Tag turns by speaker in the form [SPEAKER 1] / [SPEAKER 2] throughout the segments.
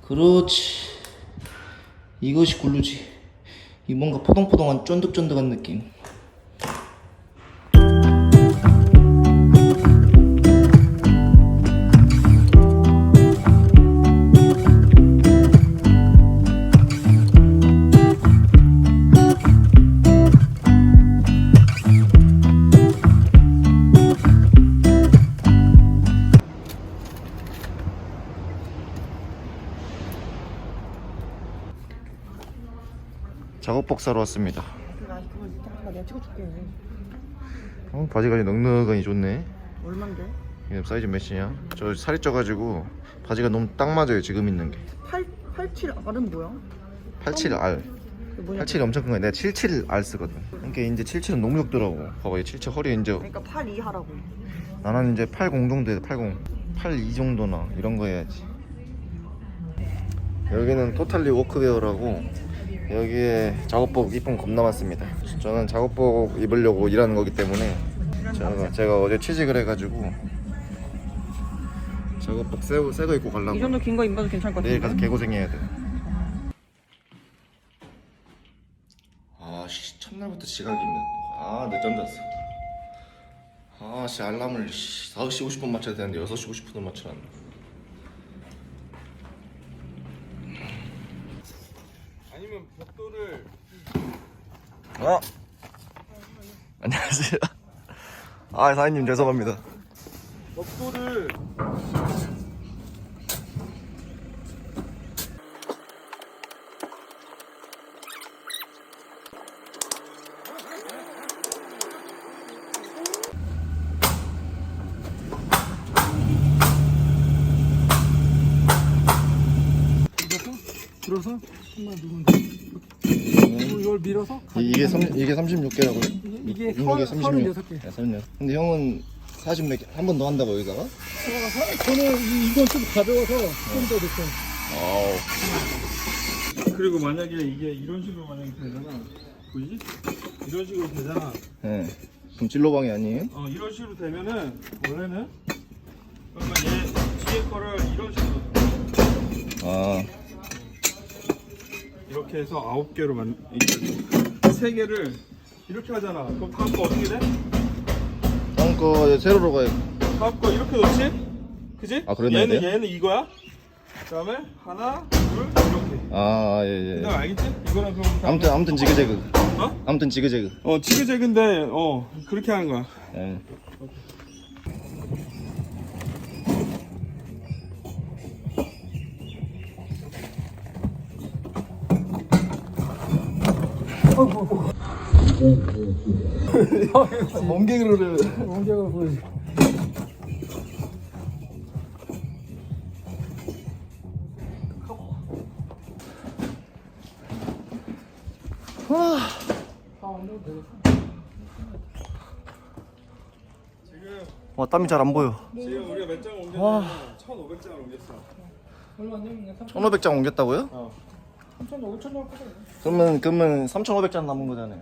[SPEAKER 1] 그렇지. 이것이 굴루지. 이 뭔가 포동포동한 쫀득쫀득한 느낌. 작업복 사러 왔습니다.
[SPEAKER 2] 내가 찍어줄게.
[SPEAKER 1] 바지가 넉넉하니 좋네.
[SPEAKER 2] 얼만데?
[SPEAKER 1] 이게 사이즈 몇이냐? 저 살이 쪄가지고 바지가 너무 딱 맞아요. 지금 있는 게
[SPEAKER 2] 87R은 뭐야?
[SPEAKER 1] 87R.
[SPEAKER 2] 그게 뭐냐?
[SPEAKER 1] 87이 엄청 큰 거야. 내가 77R 쓰거든. 그러니까 이제 77은 너무 적더라고. 봐봐, 이 77 허리 이제
[SPEAKER 2] 그러니까 82 하라고.
[SPEAKER 1] 나는 이제 80 정도 해. 80, 82 정도나 이런 거 해야지. 여기는 토탈리 워크웨어라고 여기에 작업복 이쁜 겁나 많습니다. 저는 작업복 입으려고 일하는 거기 때문에 제가 어제 취직을 해가지고 작업복 새거 입고 가려고.
[SPEAKER 2] 이 정도 긴 거 입어도 괜찮을 것 같은데?
[SPEAKER 1] 내일 가서 개고생해야 돼. 아씨, 첫날부터 지각이면 늦잠 잤어. 아씨, 알람을 5시 50분 맞춰야 되는데 6시 50분을 맞춰놨네.
[SPEAKER 3] 아니면 벽돌을
[SPEAKER 1] 안녕하세요. 사장님 죄송합니다.
[SPEAKER 3] 벽돌을 들어서 한번 누르면 돼. 그리고 이걸 밀어서
[SPEAKER 1] 이게 36개라고요?
[SPEAKER 3] 이게
[SPEAKER 1] 36.
[SPEAKER 3] 36개.
[SPEAKER 1] 네, 36. 근데 형은 40 몇 개 한 번 더 한다고 여기다가?
[SPEAKER 3] 저는 이건 좀 가벼워서 좀 더 됐어. 그리고 만약에 이게 이런 식으로 만약에 되잖아. 보이지? 이런 식으로 되잖아.
[SPEAKER 1] 네. 그럼 진로방이 아니에요?
[SPEAKER 3] 이런 식으로 되면은 원래는 그러면 얘 뒤에 거를 이런 식으로 이렇게 해서 9개로 3개를 이렇게 하잖아. 그럼 다음 거 어떻게 돼?
[SPEAKER 1] 다음 거 세로로 가요.
[SPEAKER 3] 다음 거 이렇게 넣지? 그지?
[SPEAKER 1] 그랬나야 돼요?
[SPEAKER 3] 얘는 이거야. 그 다음에 하나, 둘, 이렇게.
[SPEAKER 1] 예.
[SPEAKER 3] 너 알겠지? 이거랑 그럼
[SPEAKER 1] 아무튼 지그재그.
[SPEAKER 3] 어?
[SPEAKER 1] 아무튼 지그재그.
[SPEAKER 3] 지그재그인데 그렇게 하는 거야.
[SPEAKER 1] 예. 멍게그로를
[SPEAKER 3] 원격으로 보여줘.
[SPEAKER 1] 와, 땀이 잘 안 보여.
[SPEAKER 3] 지금 우리가 몇 장을 옮겼냐면 1,500장을 옮겼어. 얼마 안 되면
[SPEAKER 1] 1,500장 옮겼다고요?
[SPEAKER 3] 3,000, 5,000 정도 거든.
[SPEAKER 1] 그러면 3,500장 남은 거잖아요.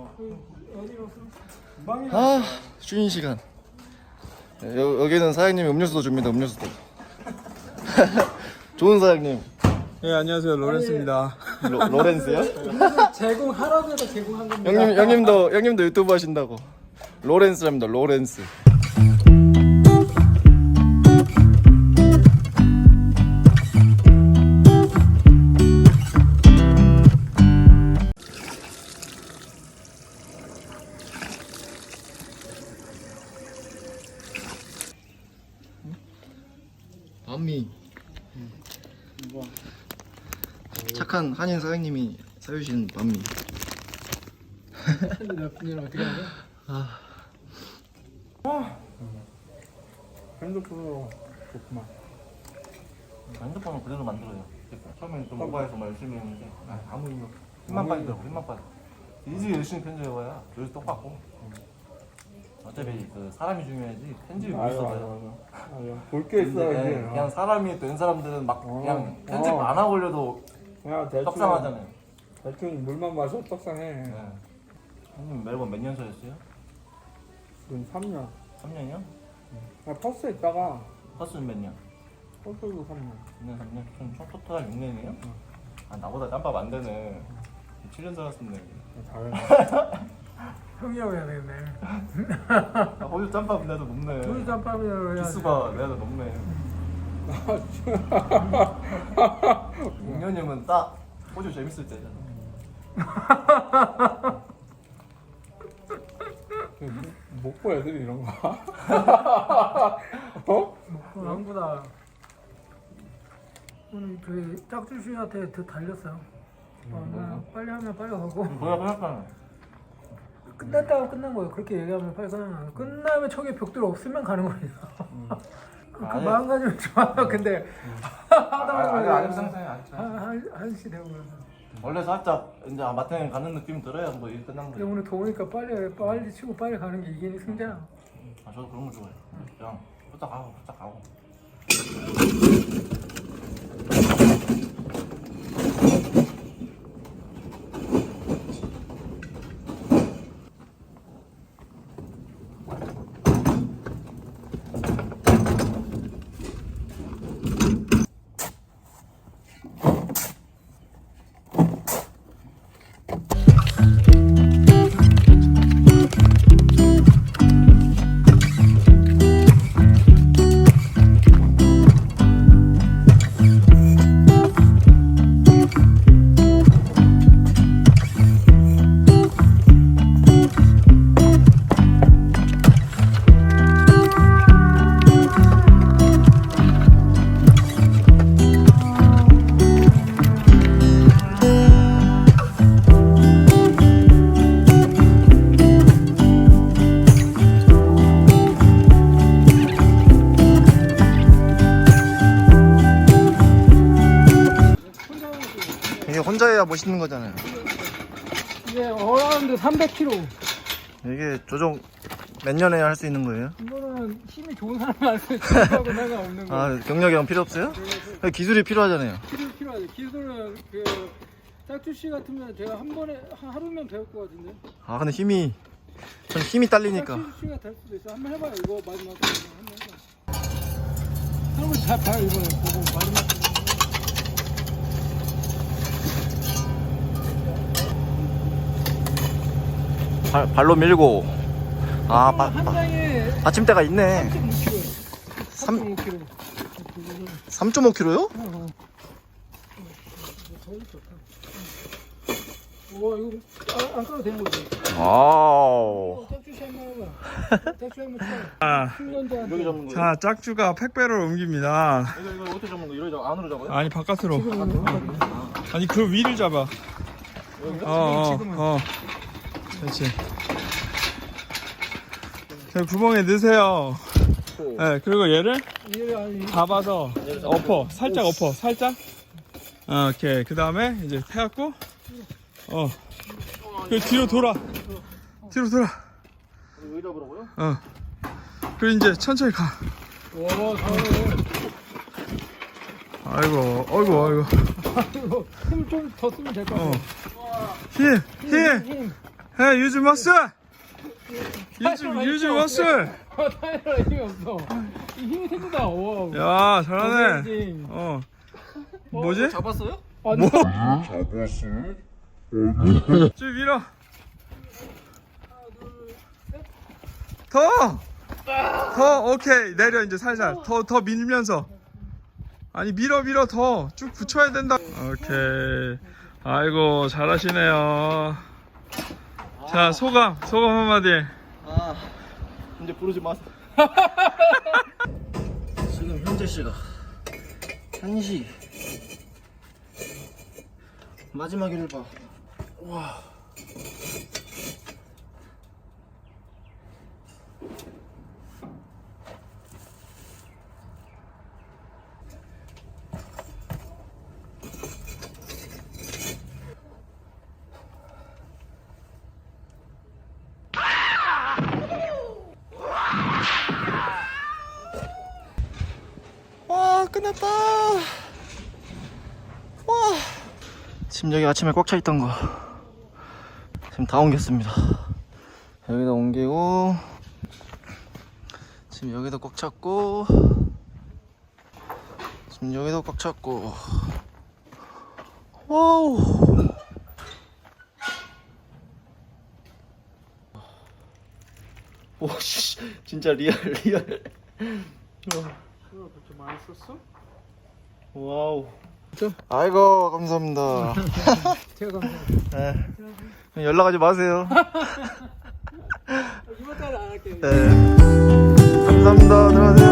[SPEAKER 1] 쉬는 시간. 여기는 사장님이 음료수도 줍니다. 음료수도. 좋은 사장님.
[SPEAKER 3] 네, 안녕하세요. 로렌스입니다.
[SPEAKER 1] 로렌스요?
[SPEAKER 3] 제공하라고 해서 제공한 겁니다.
[SPEAKER 1] 형님도 유튜브 하신다고. 로렌스랍니다. 로렌스. 밤미. 착한 한인 사장님이 사주신 밤미.
[SPEAKER 3] 나쁜일 어떻게 하냐? 핸드폰으로 좋구만.
[SPEAKER 1] 핸드폰은 그대로 만들어요. 처음에는 좀 모바일에서 열심히 했는데 아무 힘 없어. 힘만 빠지더라고. 힘만 빠져. 이제 열심히 편집해봐야 요새 똑같고. 어차피 그 사람이 중요하지 편집이 못 써요.
[SPEAKER 3] 볼게 있어
[SPEAKER 1] 근데
[SPEAKER 3] 이제.
[SPEAKER 1] 그냥 사람이 된 사람들은 막 그냥 편집 안 하고 올려도
[SPEAKER 3] 그냥 대충
[SPEAKER 1] 떡상하잖아요.
[SPEAKER 3] 대충 물만 마셔 떡상해.
[SPEAKER 1] 네. 형님 매번 몇 년 차였어요?
[SPEAKER 3] 지금 3년.
[SPEAKER 1] 3년이요?
[SPEAKER 3] 나 퍼스에 있다가
[SPEAKER 1] 퍼스는 몇 년?
[SPEAKER 3] 꼴꼴도 3년.
[SPEAKER 1] 2년 3년? 총 토탈 6년이에요? 아 나보다 짬밥 안 되네. 7년 살았었네.
[SPEAKER 3] 잘해.
[SPEAKER 4] 형이라고 해야 되겠네.
[SPEAKER 1] 아 거기서 짬밥 내가 더 높네.
[SPEAKER 4] 둘이 짬밥이라고 해야
[SPEAKER 1] 기수가 내가 더 높네. 6년이면 딱 호주 재밌을 때잖아.
[SPEAKER 3] 못 보 애들이 이런 거. 어?
[SPEAKER 4] 형보다 오늘 저희 짝주 씨한테 더 달렸어요. 그냥 빨리 하면 빨리 가고
[SPEAKER 1] 뭐야 생각하는
[SPEAKER 4] 끝났다고 끝난 거예요. 그렇게 얘기하면 빨리 끝나는 거예요. 끝나면 척에 벽돌 없으면 가는 거예요. 그
[SPEAKER 1] 아니.
[SPEAKER 4] 마음가짐이 좋아요. 근데 하다 보면
[SPEAKER 1] 아직 상상해 아직.
[SPEAKER 4] 한시 되고 그러면.
[SPEAKER 1] 원래 살짝 이제 마탱에 가는 느낌 들어야 뭐 일 끝난
[SPEAKER 4] 근데
[SPEAKER 1] 거지.
[SPEAKER 4] 오늘 더우니까 빨리 치고 빨리 가는 게 이기는 승자야.
[SPEAKER 1] 아 저도 그런 거 좋아해요. 그냥 후딱 가고 후딱 가고.
[SPEAKER 5] 이게 혼자 해야 멋있는 거잖아요.
[SPEAKER 4] 이게 어라운드 300kg.
[SPEAKER 5] 이게 조종 몇 년에 할 수 있는 거예요?
[SPEAKER 4] 이거는 힘이 좋은 사람이 할 수 있는 거하고 상관없는 거.
[SPEAKER 5] 아, 경력이 필요 없어요? 기술이 필요하잖아요.
[SPEAKER 4] 필요하죠. 기술은 그 짝주 씨 같으면 제가 한 번에 하루면 배울 것 같은데.
[SPEAKER 5] 아, 근데 전 힘이 딸리니까.
[SPEAKER 4] 짝주 씨가 될 수도 있어. 한번 해봐요. 이거 마지막으로 한번 해봐. 한번 잘 봐요 이번에 보고 마지막.
[SPEAKER 5] 발로 밀고. 아,
[SPEAKER 4] 한 장에
[SPEAKER 5] 받침대가 있네.
[SPEAKER 4] 3.5kg. 3.5kg.
[SPEAKER 5] 3.5kg요?
[SPEAKER 4] 와 이거 안 까도 되는 거지.
[SPEAKER 5] 아우.
[SPEAKER 4] 짝주 씨 한번 해봐. 짝주 한번 쳐. 훈련자한테.
[SPEAKER 1] 여기 잡는 거예요?
[SPEAKER 3] 자, 짝주가 팩배를 옮깁니다.
[SPEAKER 1] 이거 어떻게 잡는 거? 이러죠? 안으로 잡아요?
[SPEAKER 3] 아니, 바깥으로. 아니, 그 위를 잡아. 그렇지. 그 구멍에 넣으세요. 네, 그리고 얘를 잡아서 엎어, 살짝 엎어, 살짝. 오케이. 그 다음에 이제 해갖고, 그 뒤로 돌아. 뒤로 돌아.
[SPEAKER 1] 왜 잡으라고요?
[SPEAKER 3] 그리고 이제 천천히 가.
[SPEAKER 4] 와 잘하네.
[SPEAKER 3] 아이고.
[SPEAKER 4] 힘을 좀 더 쓰면 될 것 같아.
[SPEAKER 3] 힘. 해, 유즈 머슬. 유즈 머슬.
[SPEAKER 4] 타이어라 힘이 없어. 이 힘이 생긴다. 와.
[SPEAKER 3] 야, 잘하네. 뭐지?
[SPEAKER 1] 잡았어요?
[SPEAKER 4] 아니,
[SPEAKER 3] 쭉 밀어. 더, 오케이. 내려, 이제 살살. 더 밀면서. 아니, 밀어, 더. 쭉 붙여야 된다. 오케이. 아이고, 잘하시네요. 자, 소감 한마디.
[SPEAKER 1] 아 이제 부르지 마세요.
[SPEAKER 5] 지금 현재 시각 1시. 마지막 일을 봐. 와. 와, 끝났다. 와. 지금 여기 아침에 꽉 차 있던 거 지금 다 옮겼습니다. 여기다 옮기고, 지금 여기도 꽉 찼고, 지금 여기도 꽉 찼고. 와우. 오, 씨, 진짜 리얼.
[SPEAKER 3] 그렇게 많이 썼어?
[SPEAKER 5] 와우. 아이고, 감사합니다.
[SPEAKER 4] 제가 감사합니다.
[SPEAKER 5] 네. 연락하지 마세요.
[SPEAKER 4] 이번 달에 안 할게요.
[SPEAKER 5] 네. 감사합니다. 들어가세요.